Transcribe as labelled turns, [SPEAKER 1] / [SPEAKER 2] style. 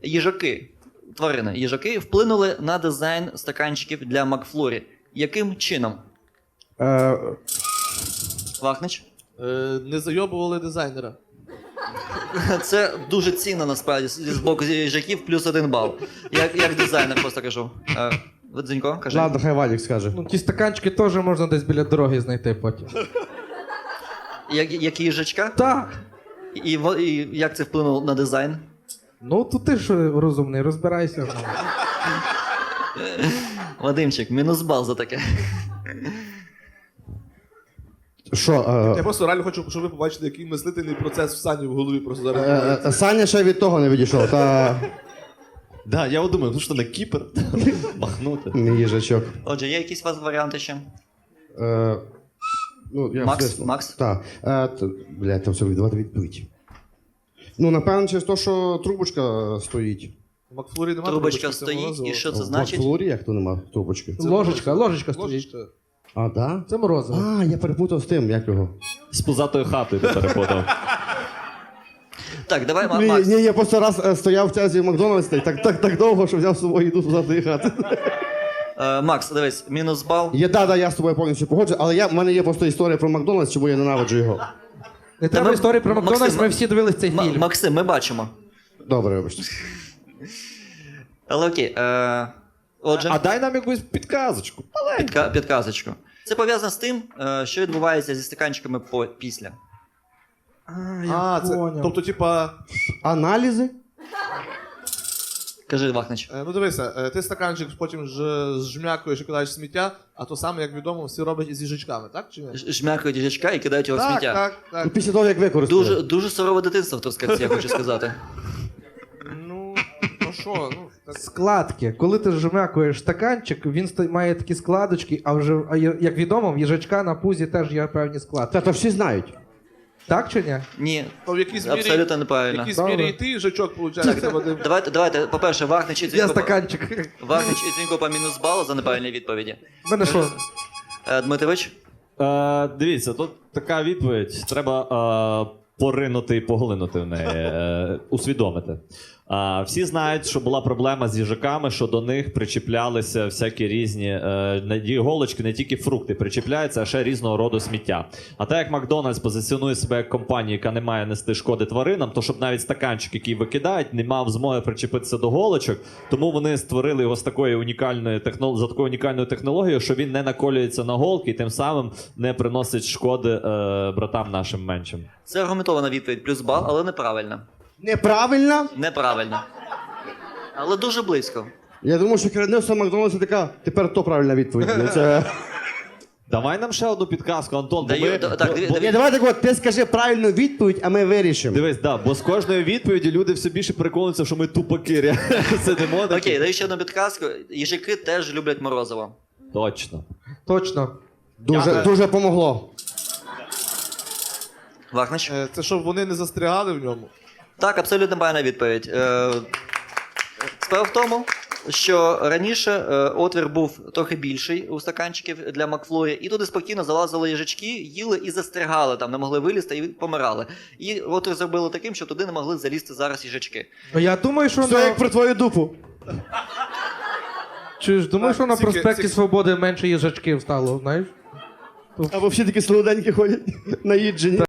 [SPEAKER 1] їжаки, тварини, їжаки вплинули на дизайн стаканчиків для Макфлурі. Яким чином? Вахнич?
[SPEAKER 2] Не зайобували дизайнера.
[SPEAKER 1] Це дуже цінно, насправді, з боку їжаків, плюс 1 бал. Як дизайнер, просто кажу. Дзенько, кажи.
[SPEAKER 3] Ладно, хай Валік скаже.
[SPEAKER 4] Ну, ті стаканчики теж можна десь біля дороги знайти потім.
[SPEAKER 1] Як їжачка?
[SPEAKER 4] Так.
[SPEAKER 1] І як це вплинуло на дизайн?
[SPEAKER 4] Ну, то ти ж розумний, розбирайся.
[SPEAKER 1] Вадимчик, мінус бал за таке.
[SPEAKER 3] Що?
[SPEAKER 2] Я просто реально хочу, щоб ви побачили, який мислительний процес в Сані в голові просто зараз.
[SPEAKER 3] Саня ще від того не відійшов, та
[SPEAKER 5] Да, я от думаю, ну що на Кіпр махнути.
[SPEAKER 3] не їжачок.
[SPEAKER 1] Отже, є якісь у вас варіанти ще?
[SPEAKER 3] Ну, я
[SPEAKER 1] Макс?
[SPEAKER 3] чесно.
[SPEAKER 1] Макс?
[SPEAKER 3] Так. Блядь, там все віддавати відповідь. Ну, напевно, через те, що трубочка стоїть.
[SPEAKER 2] У Макфлурі немає
[SPEAKER 1] Трубочка стоїть, і що це значить?
[SPEAKER 3] В Флорі як то нема трубочки?
[SPEAKER 4] Ложечка стоїть.
[SPEAKER 2] Ложечка.
[SPEAKER 3] А, да?
[SPEAKER 4] Це морозиво.
[SPEAKER 3] А, я перепутав з тим, як його.
[SPEAKER 5] З пузатою хатою ти перепутав.
[SPEAKER 1] Так, давай, Макс.
[SPEAKER 3] Ні, я просто раз стояв в тязі в Макдональдсі, так довго, що взяв з собою їду туди хати.
[SPEAKER 1] Макс, дивись, мінус бал.
[SPEAKER 3] Я з тобою повністю погоджу, але в мене є просто історія про Макдональдс, чому я ненавиджу його.
[SPEAKER 4] Не треба
[SPEAKER 1] ми-
[SPEAKER 4] історії про Макдональдс,
[SPEAKER 1] Максим,
[SPEAKER 4] ми всі дивились цей фільм.
[SPEAKER 1] Максим, ми бачимо.
[SPEAKER 3] Добре, вибачте.
[SPEAKER 1] Але окей. Отже,
[SPEAKER 5] А дай нам якусь підказочку.
[SPEAKER 1] підказочку. Це пов'язано з тим, що відбувається зі стаканчиками після.
[SPEAKER 2] Тобто, типа,
[SPEAKER 3] Аналізи?
[SPEAKER 1] Кажи, Вахнич.
[SPEAKER 2] ну дивися, ти стаканчик потім зжмякуєш і кидаєш в сміття, а то саме, як відомо, всі роблять із їжачками, так чи ні?
[SPEAKER 1] Жмякають їжачка і кидають його в сміття.
[SPEAKER 2] Так.
[SPEAKER 3] Після того, як використали.
[SPEAKER 1] Дуже сурове дитинство в Трускавці, я хочу сказати.
[SPEAKER 2] Ну що, ну... так.
[SPEAKER 4] Складки. Коли ти жмякуєш стаканчик, він має такі складочки, як відомо, в їжачка на пузі теж є певні складки.
[SPEAKER 3] Та то всі знають.
[SPEAKER 4] Так чи ні?
[SPEAKER 1] Ні,
[SPEAKER 2] То в якійсь мірі,
[SPEAKER 1] абсолютно
[SPEAKER 2] в
[SPEAKER 1] неправильно.
[SPEAKER 2] якійсь мірі і ти їжачок, виходить, Вадим.
[SPEAKER 1] Давайте, по-перше, Вахнич і
[SPEAKER 4] Я
[SPEAKER 1] Дзінько
[SPEAKER 4] стаканчик.
[SPEAKER 1] по мінус бал за неправильні відповіді.
[SPEAKER 4] В мене що?
[SPEAKER 1] Дмитрович?
[SPEAKER 5] Дивіться, тут така відповідь. Треба поринути і поглинути в неї, усвідомити. Всі знають, що була проблема з їжаками, що до них причіплялися всякі різні іголочки, не тільки фрукти причіпляються, а ще різного роду сміття. А так як Макдональдс позиціонує себе як компанія, яка не має нести шкоди тваринам, то щоб навіть стаканчик, який викидають, не мав змоги причепитися до голочок, тому вони створили його з такою за такою унікальною технологією, що він не наколюється на голки і тим самим не приносить шкоди братам нашим меншим.
[SPEAKER 1] Це аргументована відповідь, плюс бал, але неправильна.
[SPEAKER 3] Неправильно?
[SPEAKER 1] Неправильно. Але дуже близько.
[SPEAKER 3] Я думаю, що керівництво Макдональдса така, тепер то правильна відповідь. Ну, це...
[SPEAKER 5] Давай нам ще одну підказку, Антон.
[SPEAKER 3] Ні, давай так от, ти скажи правильну відповідь, а ми вирішимо.
[SPEAKER 5] Дивись, бо з кожної відповіді люди все більше переконуються, що ми тупаки. Сидимо.
[SPEAKER 1] Окей, даю ще одну підказку. Їжаки теж люблять морозиво.
[SPEAKER 5] Точно.
[SPEAKER 4] Точно.
[SPEAKER 3] Дуже помогло.
[SPEAKER 1] Вахнич?
[SPEAKER 2] Це щоб вони не застрягали в ньому.
[SPEAKER 1] Так, абсолютно правильна відповідь. Справа в тому, що раніше отвір був трохи більший у стаканчиків для Макфлурі, і туди спокійно залазили їжачки, їли і застрягали там, не могли вилізти і помирали. І отвір зробили таким, що туди не могли залізти зараз їжачки.
[SPEAKER 4] Ну, я думаю, що
[SPEAKER 3] Все як про твою дупу.
[SPEAKER 4] думаю, що на
[SPEAKER 2] Тільки-
[SPEAKER 4] проспекті
[SPEAKER 2] тільки-
[SPEAKER 4] Свободи менше їжачків стало, знаєш?
[SPEAKER 3] Або всі такі солоденькі ходять, наїджені.